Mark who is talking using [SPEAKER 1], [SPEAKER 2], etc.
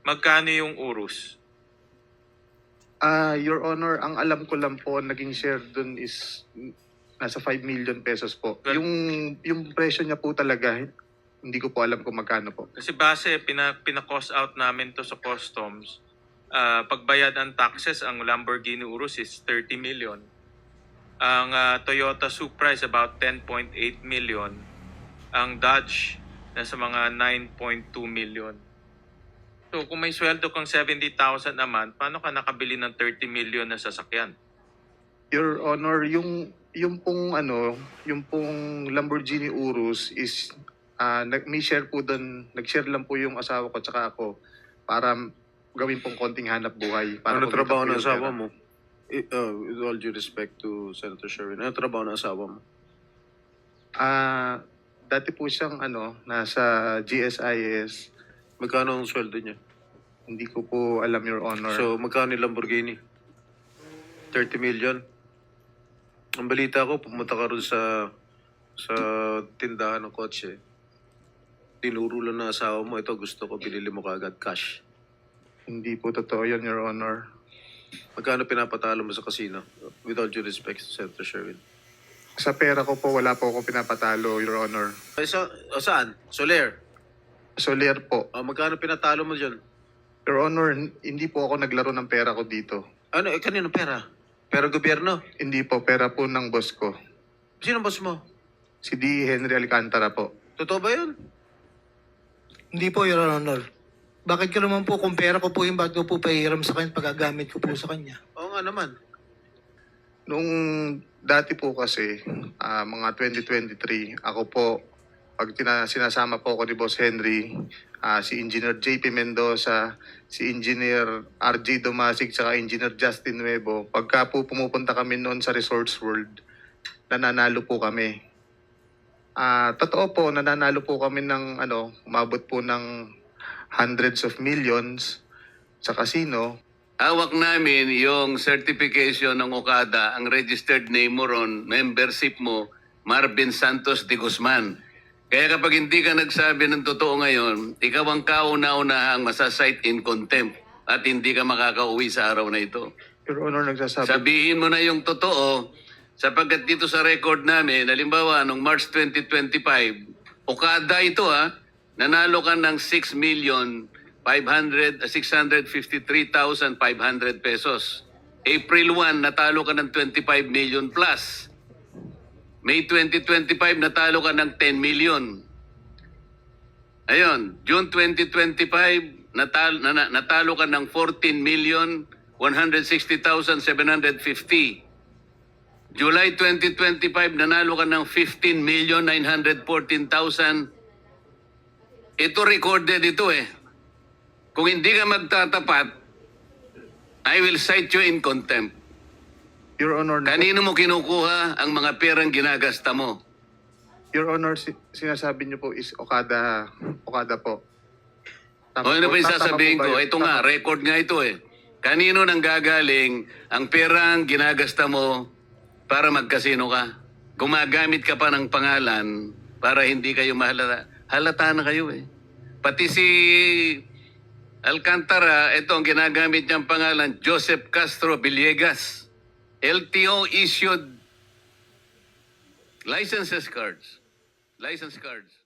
[SPEAKER 1] Magkano yung Urus?
[SPEAKER 2] Your Honor, ang alam ko lang po, naging share dun is nasa 5 million pesos po.
[SPEAKER 1] Well-
[SPEAKER 2] Yung presyo niya po talaga, hindi ko po alam kung magkano po.
[SPEAKER 1] Kasi base, pina-cost out namin to sa customs. Pagbayad ang taxes, ang Lamborghini Urus is 30 million. Ang Toyota Supra is about 10.8 million. Ang Dodge, nasa mga 9.2 million. So kung may sweldo kang 70,000 a month, paano ka nakabili ng 30 million na sasakyan?
[SPEAKER 2] Your Honor, yung pong Lamborghini Urus is may share po doon, nag-share lang po yung asawa ko tsaka ako para gawin pong konting hanap buhay. Para
[SPEAKER 3] Ano
[SPEAKER 2] kumita
[SPEAKER 3] trabaho
[SPEAKER 2] po
[SPEAKER 3] ng
[SPEAKER 2] yung
[SPEAKER 3] asawa
[SPEAKER 2] pera.
[SPEAKER 3] mo? With all due respect to Senator Sherwin, ano trabaho ng asawa mo?
[SPEAKER 2] Dati po siyang nasa GSIS.
[SPEAKER 3] Magkano ang sweldo niya?
[SPEAKER 2] Hindi ko po alam, Your Honor.
[SPEAKER 3] So, magkano yung Lamborghini? 30 million? Ang balita ko, pumunta ka rin sa tindahan ng kotse. Tinuro lang ng asawa mo, ito gusto ko, binili mo kaagad cash.
[SPEAKER 2] Hindi po totoo yun, Your Honor.
[SPEAKER 3] Magkano pinapatalo mo sa casino? With all due respect to Senator Sherwin.
[SPEAKER 2] Sa pera ko po, wala po ako pinapatalo, Your Honor.
[SPEAKER 3] Saan? Soler.
[SPEAKER 2] Soler po.
[SPEAKER 3] Magkano pinatalo mo dyan?
[SPEAKER 2] Your Honor, hindi po ako naglaro ng pera ko dito.
[SPEAKER 3] Ano, kanino pera? Pera gobyerno?
[SPEAKER 2] Hindi po, pera po ng boss ko.
[SPEAKER 3] Sino boss mo?
[SPEAKER 2] Si D. Henry Alcantara po.
[SPEAKER 3] Totoo ba yun?
[SPEAKER 4] Hindi po, Your Honor. Bakit ka naman po, kung pera ko po yung bago po pahiram sa kanya, pagagamit ko po sa kanya?
[SPEAKER 3] Oo nga naman.
[SPEAKER 2] Nung dati po kasi, mga 2023, ako po, pag sinasama po ako ni Boss Henry, si Engineer JP Mendoza, si Engineer RJ Domasig, saka Engineer Justin Nuevo, pagka po pumupunta kami noon sa Resorts World, nananalo po kami. Totoo po, nananalo po kami ng umabot po ng hundreds of millions sa casino.
[SPEAKER 5] Hawak namin yung certification ng Okada, ang registered name mo ron, membership mo, Marvin Santos de Guzman. Kaya kapag hindi ka nagsabi ng totoo ngayon, ikaw ang kauna-unahang masasight in contempt at hindi ka makakauwi sa araw na ito.
[SPEAKER 2] Your Honor, nagsasabi.
[SPEAKER 5] Sabihin mo na yung totoo sapagkat dito sa record namin, halimbawa, noong March 2025, Okada ito nanalo ka ng 653,500 pesos. April 1, natalo ka ng 25 million plus. May 2025, natalo ka ng 10 million. Ayun, June 2025, natalo ka ng 14,160,750. July 2025, nanalo ka ng 15,914,000. Ito recorded ito eh. Kung hindi ka magtatapat, I will cite you in contempt.
[SPEAKER 2] Your Honor,
[SPEAKER 5] Kanino mo kinukuha ang mga perang ginagasta mo?
[SPEAKER 2] Your Honor, sinasabi niyo po is Okada po.
[SPEAKER 5] O ano ba yung
[SPEAKER 2] Tama
[SPEAKER 5] sasabihin
[SPEAKER 2] po ba
[SPEAKER 5] ko?
[SPEAKER 2] yun?
[SPEAKER 5] Ito nga, record nga ito eh. Kanino nang gagaling ang perang ginagasta mo para magkasino ka? Gumagamit ka pa ng pangalan para hindi kayo mahalata. Halata na kayo eh. Pati si Alcantara, ito ang ginagamit niyang pangalan, Joseph Castro Villegas. LTO issued license cards.